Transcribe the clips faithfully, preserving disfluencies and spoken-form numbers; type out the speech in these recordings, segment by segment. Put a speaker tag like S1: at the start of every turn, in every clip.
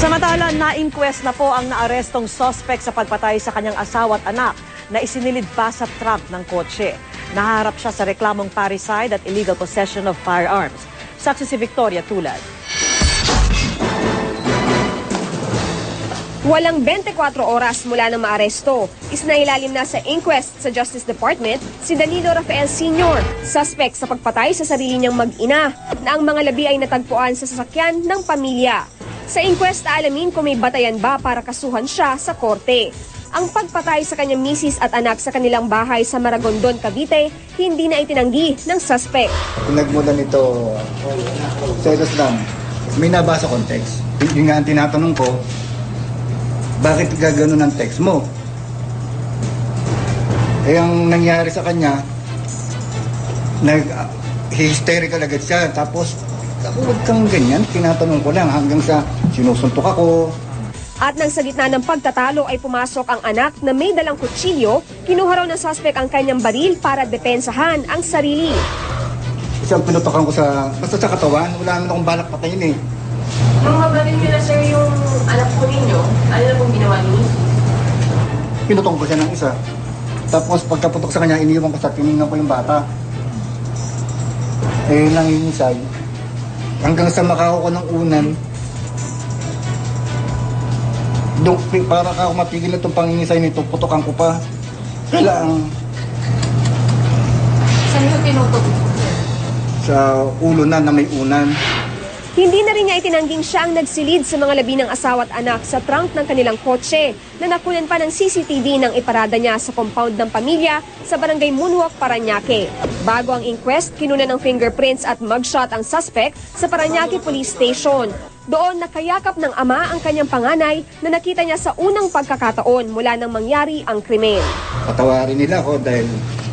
S1: Samantala, na-inquest na po ang naarestong suspect sa pagpatay sa kanyang asawa at anak na isinilid pa sa trunk ng kotse. Naharap siya sa reklamong parricide at illegal possession of firearms. Saksi si Victoria Tulad.
S2: Walang twenty-four oras mula nang maaresto. Isinailalim na sa inquest sa Justice Department si Danilo Rafael Senior, suspect sa pagpatay sa sarili niyang mag-ina na ang mga labi ay natagpuan sa sasakyan ng pamilya. Sa inquest, alamin kung may batayan ba para kasuhan siya sa korte. Ang pagpatay sa kanyang misis at anak sa kanilang bahay sa Maragondon, Cavite, hindi na itinanggi ng suspect.
S3: Pinagmulan nito, selos lang, may nabasa context. Yung nga ang tinatanong ko, bakit gagano ng text mo? Eh, ang nangyari sa kanya, nag-hysterical agad siya. Tapos, ako, huwag kang ganyan. Tinatanong ko lang hanggang sa sinusuntok ako.
S2: At nang sa gitna ng pagtatalo ay pumasok ang anak na may dalang kutsilyo, kinuha raw ng suspect ang kanyang baril para depensahan ang sarili.
S3: Isang pinutokan ko sa, basta sa katawan, wala naman akong balak patayin eh.
S4: Nung mabalin niyo na sir yung anak po ninyo, ano na pong ginawa niyo?
S3: Pinutong ko siya ng isa. Tapos pagkaputok sa kanya, iniwan ko sa tinignan ko yung bata. Eh, nangingisay. Hanggang sa makako ko ng unan, Duk, para ka ako matigil na itong pangingisay nito, putokan ko pa. Kailangan.
S4: Saan yung tinutok?
S3: Sa ulo na na may unan.
S2: Hindi na rin niya itinangging siya ang nagsilid sa mga labi ng asawa at anak sa trunk ng kanilang kotse na nakunan pa ng C C T V ng iparada niya sa compound ng pamilya sa barangay Moonwalk, Parañaque. Bago ang inquest, kinunan ng fingerprints at mugshot ang suspect sa Parañaque Police Station. Doon nakayakap ng ama ang kanyang panganay na nakita niya sa unang pagkakataon mula nang mangyari ang krimen.
S3: Patawarin nila ako dahil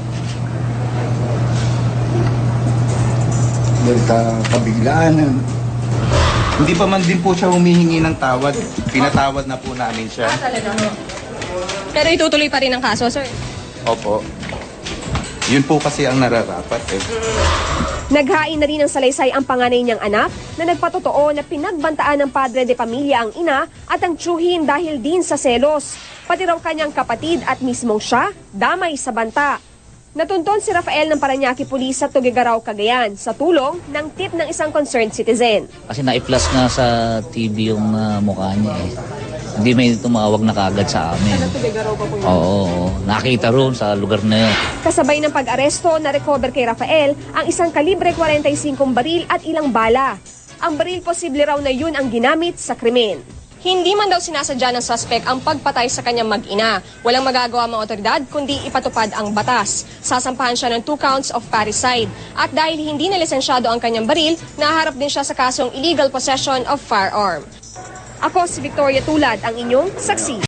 S3: dahil sa kabiglaan.
S5: Hindi pa man din po siya humihingi ng tawad. Pinatawad na po namin siya.
S4: Ah, talaga mo?
S2: Pero itutuloy pa rin ang kaso, sir.
S5: Opo. Yun po kasi ang nararapat eh.
S2: Naghain na rin ng salaysay ang panganay niyang anak na nagpatotoo na pinagbantaan ng padre de pamilya ang ina at ang tiyuhin dahil din sa selos. Pati raw kanyang kapatid at mismong siya, damay sa banta. Natunton si Rafael ng Parañaque Police sa Tuguegarao, Cagayan sa tulong ng tip ng isang concerned citizen.
S6: Kasi na-i-flash nga sa T V yung uh, mukha niya eh. Hindi may tumawag na kagad sa amin. Oo, oo, nakita roon sa lugar na yun.
S2: Kasabay ng pag-aresto, na-recover kay Rafael ang isang kalibre forty-five baril at ilang bala. Ang baril posible raw na yun ang ginamit sa krimen. Hindi man daw sinasadya ng suspect ang pagpatay sa kanyang mag-ina. Walang magagawa mga otoridad kundi ipatupad ang batas. Sasampahan siya ng two counts of parricide. At dahil hindi na lisensyado ang kanyang baril, naharap din siya sa kasong illegal possession of firearm. Ako si Victoria Tulad, ang inyong saksi.